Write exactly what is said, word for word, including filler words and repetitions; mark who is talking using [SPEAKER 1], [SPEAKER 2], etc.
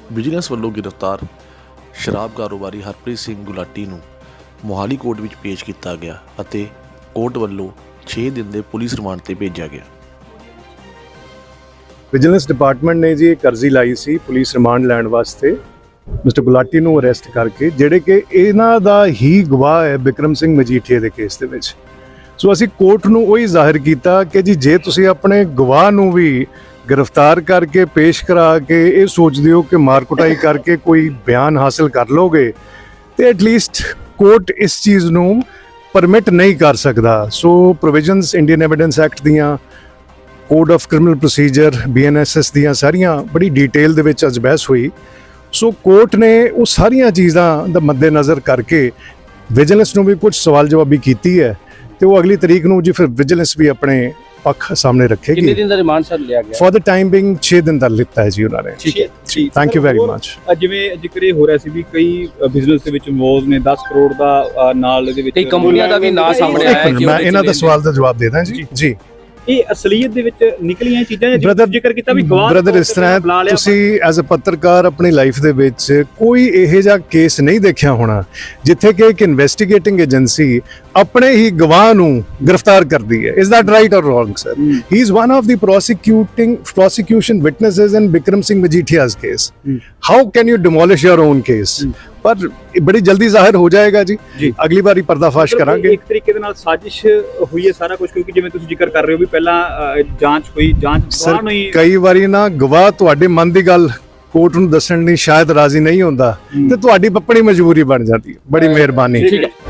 [SPEAKER 1] Vigilance ਵੱਲੋਂ ਗ੍ਰਿਫਤਾਰ ਸ਼ਰਾਬ ਕਾਰੋਬਾਰੀ ਹਰਪ੍ਰੀਤ ਸਿੰਘ ਗੁਲਾਟੀ ਨੂੰ ਮੋਹਾਲੀ ਕੋਰਟ ਵਿੱਚ ਪੇਸ਼ ਕੀਤਾ ਗਿਆ ਅਤੇ ਕੋਰਟ ਵੱਲੋਂ ਛੇ ਦਿਨ ਦੇ ਪੁਲਿਸ ਰਿਮਾਂਡ ਤੇ ਭੇਜਿਆ ਗਿਆ।
[SPEAKER 2] ਵਿਜੀਲੈਂਸ ਡਿਪਾਰਟਮੈਂਟ ਨੇ ਜੀ ਇੱਕ ਅਰਜ਼ੀ ਲਾਈ ਸੀ ਪੁਲਿਸ ਰਿਮਾਂਡ ਲੈਣ ਵਾਸਤੇ ਮਿਸਟਰ ਗੁਲਾਟੀ ਨੂੰ ਅਰੈਸਟ ਕਰਕੇ, ਜਿਹੜੇ ਕਿ ਇਹਨਾਂ ਦਾ ਹੀ ਗਵਾਹ ਹੈ ਬਿਕਰਮ ਸਿੰਘ ਮਜੀਠੀਆ ਦੇ ਕੇਸ ਦੇ ਵਿੱਚ। ਸੋ ਅਸੀਂ ਕੋਰਟ ਨੂੰ ਉਹੀ ਜ਼ਾਹਿਰ ਕੀਤਾ ਕਿ ਜੀ ਜੇ ਤੁਸੀਂ ਆਪਣੇ ਗਵਾਹ ਨੂੰ ਵੀ ਗ੍ਰਿਫਤਾਰ ਕਰਕੇ ਪੇਸ਼ ਕਰਾ ਕੇ ਇਹ ਸੋਚਦੇ ਹੋ ਕਿ ਮਾਰ ਕੁਟਾਈ ਕਰਕੇ ਕੋਈ ਬਿਆਨ ਹਾਸਲ ਕਰ ਲੋਗੇ ਤੇ ਐਟਲੀਸਟ ਕੋਰਟ ਇਸ ਚੀਜ਼ ਨੂੰ ਪਰਮਿਟ ਨਹੀਂ ਕਰ ਸਕਦਾ। So provisions Indian evidence act ਦੀਆਂ, code of criminal procedure, B N S S ਦੀਆਂ ਸਾਰੀਆਂ ਬੜੀ ਡਿਟੇਲ ਦੇ ਵਿੱਚ ਅੱਜ ਬਹਿਸ ਹੋਈ। ਸੋ ਕੋਰਟ ਨੇ ਉਹ ਸਾਰੀਆਂ ਚੀਜ਼ਾਂ ਦਾ ਮੱਦੇਨਜ਼ਰ ਕਰਕੇ ਵਿਜੀਲੈਂਸ ਨੂੰ ਵੀ ਕੁਝ ਸਵਾਲ ਜਵਾਬੀ ਕੀਤੀ ਹੈ ਤੇ ਉਹ ਅਗਲੀ ਤਰੀਕ ਨੂੰ ਜੀ ਫਿਰ ਵਿਜੀਲੈਂਸ ਵੀ ਆਪਣੇ ਪੱਖ ਸਾਹਮਣੇ ਰੱਖੇਗੀ।
[SPEAKER 3] ਕਿੰਨੇ ਦਿਨ ਦਾ ਰਿਮਾਂਡ ਸਰ ਲਿਆ ਗਿਆ?
[SPEAKER 2] ਫॉर द ਟਾਈਮ ਬਿੰਗ ਛੇ ਦਿਨ ਦਾ ਲਿੱਤਾ ਹੈ ਜੀ ਉਹਨਾਂ ਨੇ।
[SPEAKER 3] ਠੀਕ ਹੈ,
[SPEAKER 2] ਥੈਂਕ ਯੂ ਵੈਰੀ ਮਚ।
[SPEAKER 4] ਜਿਵੇਂ ਜ਼ਿਕਰ ਇਹ ਹੋ ਰਿਹਾ ਸੀ ਵੀ ਕਈ ਬਿਜ਼ਨਸ ਦੇ ਵਿੱਚ ਇਨਵੋਲਵ ਨੇ, ਦਸ ਕਰੋੜ ਦਾ ਅ, ਨਾਲ ਇਹਦੇ ਵਿੱਚ
[SPEAKER 3] ਕਈ ਕੰਪਨੀਆਂ ਦਾ ਵੀ ਨਾਂ ਸਾਹਮਣੇ ਆਇਆ ਹੈ ਕਿ
[SPEAKER 2] ਮੈਂ ਇਹਨਾਂ ਦਾ ਸਵਾਲ ਦਾ ਜਵਾਬ ਦੇ ਦਾਂ ਜੀ। ਜੀ
[SPEAKER 4] ਇਹ ਅਸਲੀਅਤ ਦੇ ਵਿੱਚ ਨਿਕਲੀਆਂ ਚੀਜ਼ਾਂ
[SPEAKER 2] ਬ੍ਰਦਰ
[SPEAKER 4] ਜ਼ਿਕਰ ਕੀਤਾ ਵੀ ਗਵਾਹ
[SPEAKER 2] ਬ੍ਰਦਰ ਇਸ ਤਰ੍ਹਾਂ ਤੁਸੀਂ ਐਜ਼ ਅ ਪੱਤਰਕਾਰ ਆਪਣੀ ਲਾਈਫ ਦੇ ਵਿੱਚ ਕੋਈ ਇਹੋ ਜਿਹਾ ਕੇਸ ਨਹੀਂ ਦੇਖਿਆ ਹੋਣਾ ਜਿੱਥੇ ਕਿ ਇੱਕ ਇਨਵੈਸਟੀਗੇਟਿੰਗ ਏਜੰਸੀ ਆਪਣੇ ਹੀ ਗਵਾਹ ਨੂੰ ਗ੍ਰਿਫਤਾਰ ਕਰਦੀ ਹੈ। Is that right or wrong sir? He is one of the prosecuting prosecution witnesses in Bikram Singh Majithia's case. How can you demolish your own case? ਪਰ ਬੜੀ ਜਲਦੀ ਜ਼ਾਹਿਰ ਹੋ ਜਾਏਗਾ ਜੀ, ਅਗਲੀ ਵਾਰੀ ਪਰਦਾਫਾਸ਼ ਕਰਾਂਗੇ।
[SPEAKER 4] ਇੱਕ ਤਰੀਕੇ ਦੇ ਨਾਲ ਸਾਜ਼ਿਸ਼ ਹੋਈ ਹੈ ਸਾਰਾ ਕੁਝ, ਕਿਉਂਕਿ ਜਿਵੇਂ ਤੁਸੀਂ ਜ਼ਿਕਰ ਕਰ ਰਹੇ ਹੋ ਵੀ ਪਹਿਲਾਂ ਅ, ਜਾਂਚ ਹੋਈ, ਜਾਂਚ ਗਵਾਹ ਨੂੰ ਹੀ
[SPEAKER 2] ਕਈ ਵਾਰੀ ਨਾ ਗਵਾਹ ਤੁਹਾਡੇ ਮਨ ਦੀ ਗੱਲ ਕੋਰਟ ਨੂੰ ਦੱਸਣ ਲਈ ਸ਼ਾਇਦ ਰਾਜ਼ੀ ਨਹੀਂ ਹੁੰਦਾ ਤੇ ਤੁਹਾਡੀ ਆਪਣੀ ਮਜਬੂਰੀ ਬਣ ਜਾਂਦੀ ਹੈ। ਬੜੀ ਮਿਹਰਬਾਨੀ।
[SPEAKER 3] ਠੀਕ ਹੈ।